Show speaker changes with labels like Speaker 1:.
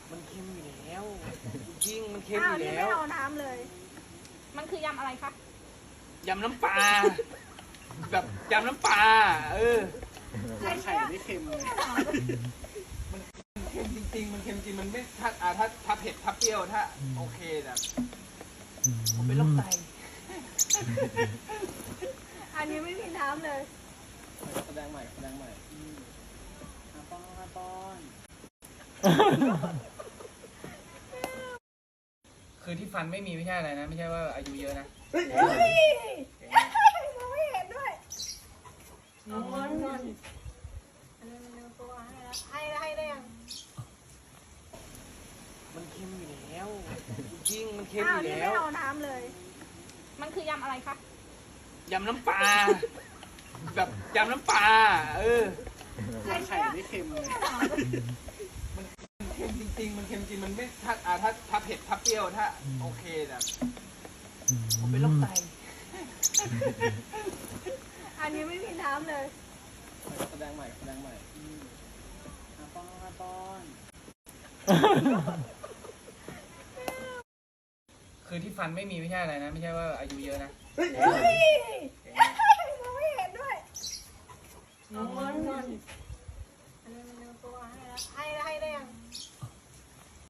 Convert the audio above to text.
Speaker 1: มันเค็มอยู่แล้วจริงมันเค็ม
Speaker 2: อ้า
Speaker 1: อ
Speaker 2: ว
Speaker 1: ยู่
Speaker 2: นี่
Speaker 1: แล้
Speaker 2: ไม่
Speaker 1: ว
Speaker 2: เอาน้ำเลย มันคือยำอะไรคะ
Speaker 1: ยำน้ำปลาแบบยำน้ำปลาไข่ไม่เค็มเลยมันเค็มจริงๆมันเค็มจริงมันไม่ถ้าเผ็ดถ้าเปรี้ยวถ้าโอเคแบบผมเป็นโรคไต
Speaker 2: อันนี้ไม่มีน้ำเลย
Speaker 1: แสดงใหม่ป้อนคือที่ฟันไม่มีไม่ใช่อะไรนะไม่ใช่ว่าอายุเยอะนะ
Speaker 2: เฮ้ยมองไม่เห็นด้วยเอาเงินอันนี้มันเอาตัวให้แล้วให้ได้ยัง
Speaker 1: มันเค็มอยู่แล้วจริงมันเค็ม
Speaker 2: อ้า
Speaker 1: อ
Speaker 2: ว
Speaker 1: ยู่
Speaker 2: นี่
Speaker 1: แล้
Speaker 2: ไม่
Speaker 1: ว
Speaker 2: เอาน้ำเลย มันคือยำอะไรคะ
Speaker 1: ยำน้ำปลาแบบยำน้ำปลาไข่ไม่เค็มเลยมันเค็มจริงๆมันเค็มจริงมันไม่ถ้าเผ็ดถ้าเปรี้ยวถ้าโอเคแบบผมเป็นโรคไต
Speaker 2: อันนี้ไม่มีน้ำเลย
Speaker 1: แสดงใหม่ป้อนคือที่ฟันไม่มีไม่ใช่อะไรนะไม่ใช่ว่าอายุเยอะนะ
Speaker 2: เฮ้ย